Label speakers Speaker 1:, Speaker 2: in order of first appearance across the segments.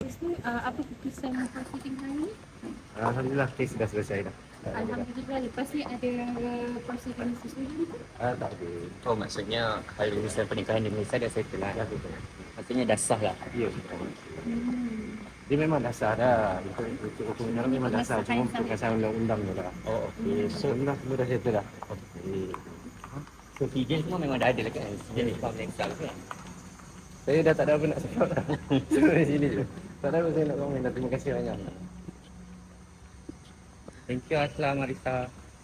Speaker 1: Lepas tu, apa keputusan proceeding hari ni?
Speaker 2: Alhamdulillah kes dah selesai dah.
Speaker 1: Alhamdulillah. Lepas ni ada proceeding sesuatu ke?
Speaker 2: Tak ada. Oh maksudnya kalau misalnya pernikahan di Malaysia dah settle lah. Maksudnya dah sah lah. Ya. Dia memang dah sah dah. Itu hukumnya memang dah sah. Cuma perkasan undang-undang je lah. Oh okey. So alhamdulillah semua dah settle lah. Okey. So hijau semua memang dah ada lah kan? Jadi faham next time kan? Saya dah tak ada apa nak cakap dah. Semua di sini je. Tak ada apa saya nak komen dah. Terima kasih banyak. Thank you Aslam Marisa.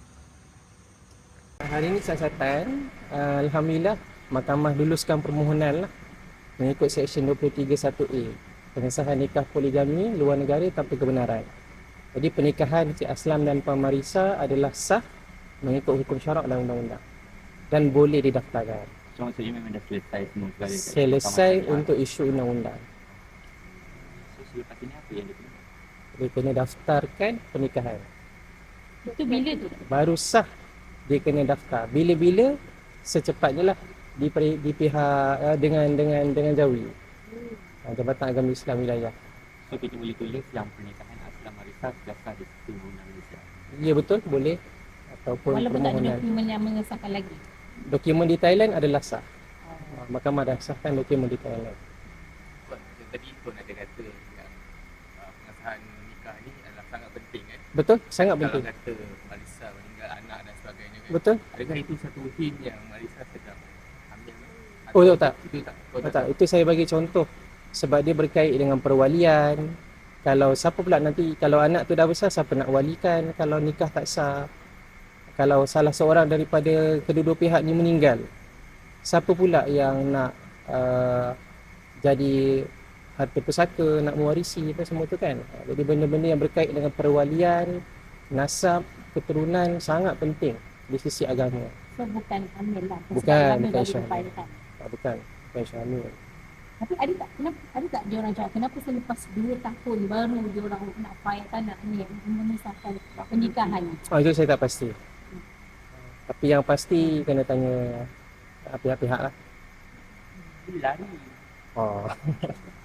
Speaker 3: Hari ini siasatan, Alhamdulillah Mahkamah luluskan permohonan lah mengikut Seksyen 23(1)A pengesahan nikah poligami luar negara tanpa kebenaran. Jadi pernikahan Cik Aslam dan Puan Marisa adalah sah mengikut hukum syarak dan undang-undang dan boleh didaftarkan.
Speaker 2: So maksudnya memang dah selesai semua segala.
Speaker 3: Selesai untuk isu undang-undang.
Speaker 2: So selepas ini apa yang dia kena?
Speaker 3: Dia kena daftarkan pernikahan.
Speaker 1: Itu bila tu?
Speaker 3: Baru sah dia kena daftar. Bila-bila secepatnya lah di pihak dengan Jawi. Jabatan Agama Islam Wilayah.
Speaker 2: So kita boleh tulis yang pernikahan Aslam Marisa sudah sah di sistem undang Malaysia.
Speaker 3: Ya betul, boleh. Ataupun
Speaker 1: Walaupun tak ada
Speaker 3: permohonan.
Speaker 1: dokumen yang mengesahkan lagi.
Speaker 3: Dokumen di Thailand adalah sah. Mahkamah dah sahkan dokumen di Thailand.
Speaker 2: Macam tadi pun ada kata yang pengesahan nikah ni adalah sangat penting kan.
Speaker 3: Betul, sangat
Speaker 2: Kalau
Speaker 3: penting.
Speaker 2: kata Marisa meninggal anak dan sebagainya kan.
Speaker 3: Betul.
Speaker 2: Adakah itu satu hint yang Marisa sedang ambil?
Speaker 3: Oh tak.
Speaker 2: Itu tak.
Speaker 3: Tak, itu saya bagi contoh. Sebab dia berkait dengan perwalian. Kalau siapa pula nanti, kalau anak tu dah besar, siapa nak walikan kalau nikah tak sah? Kalau salah seorang daripada kedua-dua pihak ni meninggal, siapa pula yang nak jadi harta pusaka, nak mewarisi apa semua tu kan. Jadi benda-benda yang berkait dengan perwalian, nasab, keturunan sangat penting di sisi agama.
Speaker 1: So bukan hamil lah.
Speaker 3: Bukan
Speaker 1: Bukan.
Speaker 3: bukan syamil.
Speaker 1: Tapi ada tak dia orang cakap kenapa selepas 2 tahun baru dia orang nak file tanah ni mengesahkan pernikahan ni?
Speaker 3: Itu saya tak pasti. Tapi yang pasti kena tanya pihak-pihak lah.
Speaker 2: Lari.
Speaker 3: Oh.